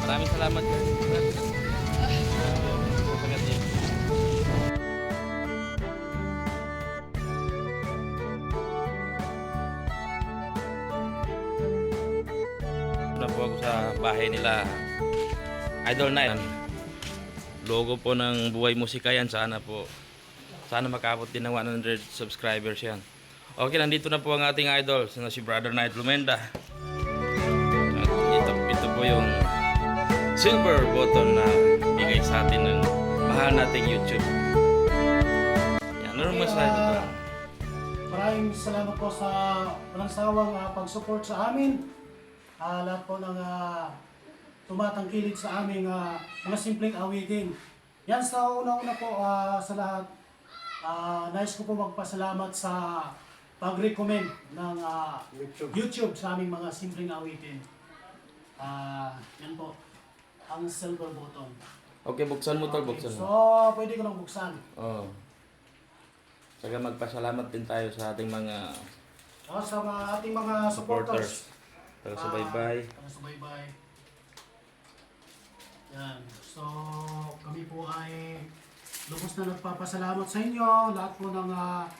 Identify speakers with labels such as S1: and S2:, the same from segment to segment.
S1: Maraming salamat guys. Na po ako sa bahay nila Idol Night. Logo po ng Buhay Musika yan. Sana makabot din ng 100 subscribers yan. Okay, nandito na po ang ating idol na si Brother Knight Lumenda. At ito po yung silver button na bigay sa atin ng mahal nating YouTube. Yan, ano naman sa ito?
S2: Maraming salamat po sa walang sawang pag-support sa amin. Lahat po ng tumatangkilik sa aming mga simpleng awitin. Yan, sa una-una po sa lahat, nais ko po magpasalamat sa pag-recommend ng YouTube sa aming mga simpleng awitin. Yan po, ang silver button.
S1: Okay, buksan mo tol, buksan
S2: So,
S1: mo.
S2: pwede ko nang buksan.
S1: Oo. Saka magpasalamat din tayo sa ating mga
S2: Sa ating mga supporters.
S1: taga-subaybay.
S2: Taga-subaybay. Yan. So, kami po ay lubos na nagpapasalamat sa inyo. Lahat po ng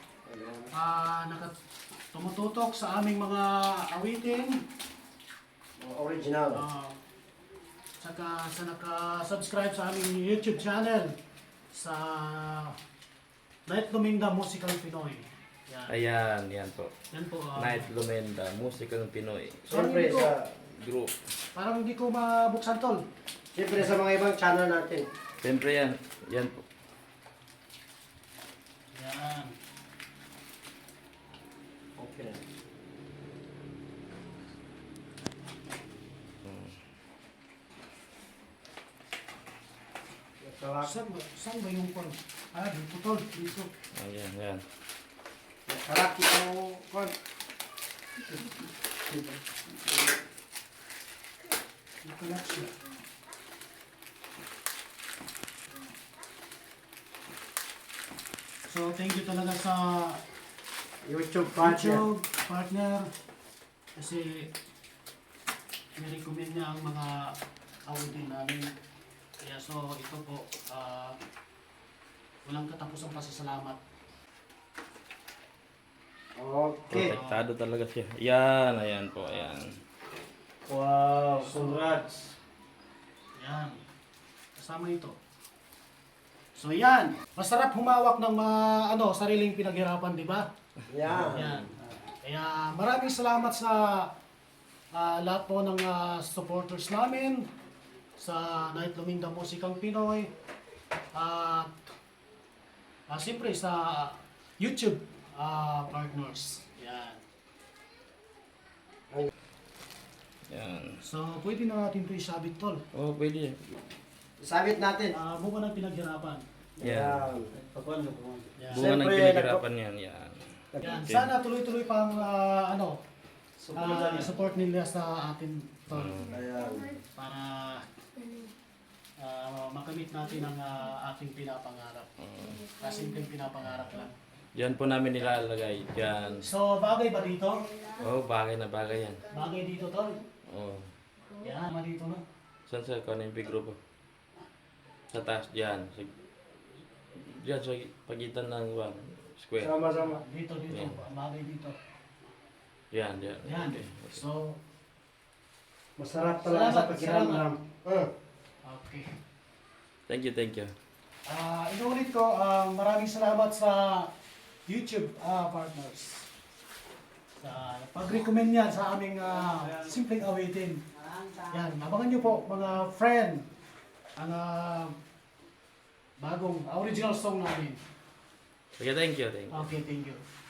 S2: tumututok sa aming mga awitin.
S3: Original.
S2: Saka sa naka-subscribe sa aming YouTube channel sa Knight Lumenda Musical Pinoy. Yan.
S1: Ayan, yan po.
S2: Yan po.
S1: Knight Lumenda, musika ng Pinoy.
S3: Siyempre sa
S1: Group.
S2: Parang hindi ko mabuksan tol.
S3: siyempre sa mga ibang channel natin.
S1: Siyempre yan. Yan po.
S2: Yan.
S3: Okay.
S2: Saan ba yung kon? Dito tol. Dito.
S1: Ayan, yan.
S3: Karaki ko kon.
S2: Dito lang siya. So, thank you talaga sa
S3: YouTube partner.
S2: YouTube partner kasi nirecommend niya ang mga awitin namin. Kaya so, ito po, walang katapusang pasasalamat.
S3: Okay.
S1: Protektado talaga siya. Yan, ayan po, ayan.
S3: Wow, congrats.
S2: Yan. Kasama ito. So yan, masarap humawak ng sariling pinaghirapan, di ba?
S3: Yeah.
S2: Yan. Kaya maraming salamat sa lahat po ng supporters namin sa Knight Lumenda Musikang Pinoy at siyempre sa YouTube partners. Yan.
S1: Yan.
S2: So pwede na natin ito isabit tol.
S1: Oh, pwede.
S3: Sabit natin.
S2: Bunga ng pinaghirapan.
S1: Yan.
S2: Yan.
S1: Bunga ng
S3: Siyempre,
S1: pinaghirapan yan. Yan.
S2: Yan.
S1: Okay.
S2: Sana tuloy-tuloy pang support nila sa atin tol.
S3: Ayan.
S2: Para makamit natin ang ating pinapangarap. Simpleng pinapangarap lang.
S1: Yan po namin nilalagay. Yan.
S2: So, bagay ba dito?
S1: Oh, bagay na bagay yan.
S2: Bagay dito, tol.
S1: Oh.
S2: Yan, dito na.
S1: Saan sa kung ano yung grupo? Sa taas, dyan. Dyan sa pagitan ng square.
S3: Sama-sama.
S2: Dito.
S1: Yan.
S2: Bagay dito.
S1: Yan, yan.
S2: Yan.
S1: Okay.
S2: So,
S3: Masarap talaga sa pakiramdam.
S2: okay.
S1: Thank you, thank you.
S2: Inuulit ko, maraming salamat sa YouTube partners. Sa pag-recommend niya sa aming simpleng awitin. Yan, abangan niyo po mga friend ang bagong original song namin.
S1: Okay, thank you, thank you.
S2: Okay, thank you.